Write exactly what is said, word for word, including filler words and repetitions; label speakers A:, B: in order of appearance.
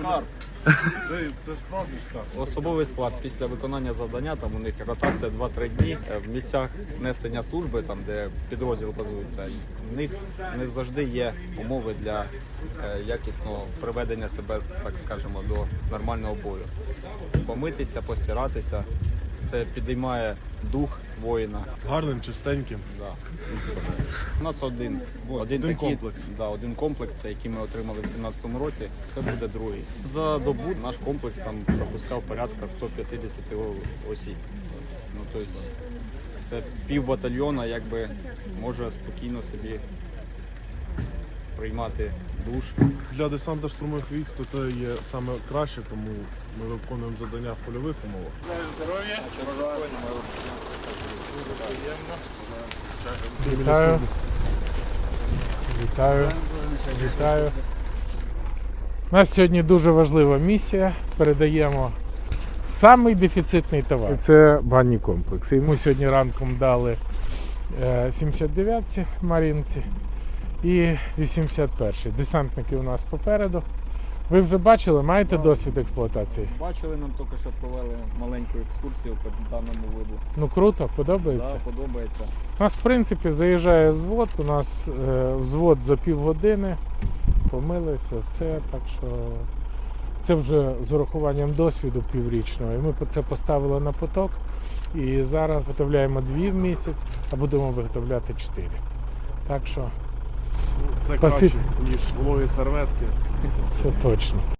A: скарб. Це, це справді скарб.
B: Особовий склад після виконання завдання, там у них ротація два-три дні. В місцях несення служби, там де підрозділ базується, в них не завжди є умови для е, якісного приведення себе, так скажемо, до нормального бою. Помитися, постиратися, це підіймає дух воїна.
A: Гарним, чистеньким.
B: Да. У нас один,
A: Вот,
B: один,
A: один
B: такий,
A: комплекс.
B: Да, один комплекс, це який ми отримали в сімнадцятому році, це буде другий. За добу наш комплекс там пропускав порядка сто п'ятдесят осіб. Ну, тобто, це пів батальйона якби може спокійно собі приймати душ.
A: Для десанта штурмових військ то це є саме краще, тому ми виконуємо завдання в польових умовах.
C: Вітаю. Вітаю. Вітаю. У нас сьогодні дуже важлива місія. Передаємо самий дефіцитний товар. Це банні комплекси. Йому сьогодні ранком дали сімдесят дев'ятці Марінці і вісімдесят перший. Десантники у нас попереду. Ви вже бачили, маєте досвід експлуатації?
B: Бачили, нам тільки що провели маленьку екскурсію по даному виду.
C: Ну круто, подобається?
B: Да, подобається.
C: У нас, в принципі, заїжджає взвод, у нас е, взвод за півгодини, помилися, все, так що це вже з урахуванням досвіду піврічного. І ми це поставили на поток, і зараз виготовляємо дві в місяць, а будемо виготовляти чотири. Так що
A: Це
C: Спасибо.
A: краще, ніж вологі серветки.
C: це точно.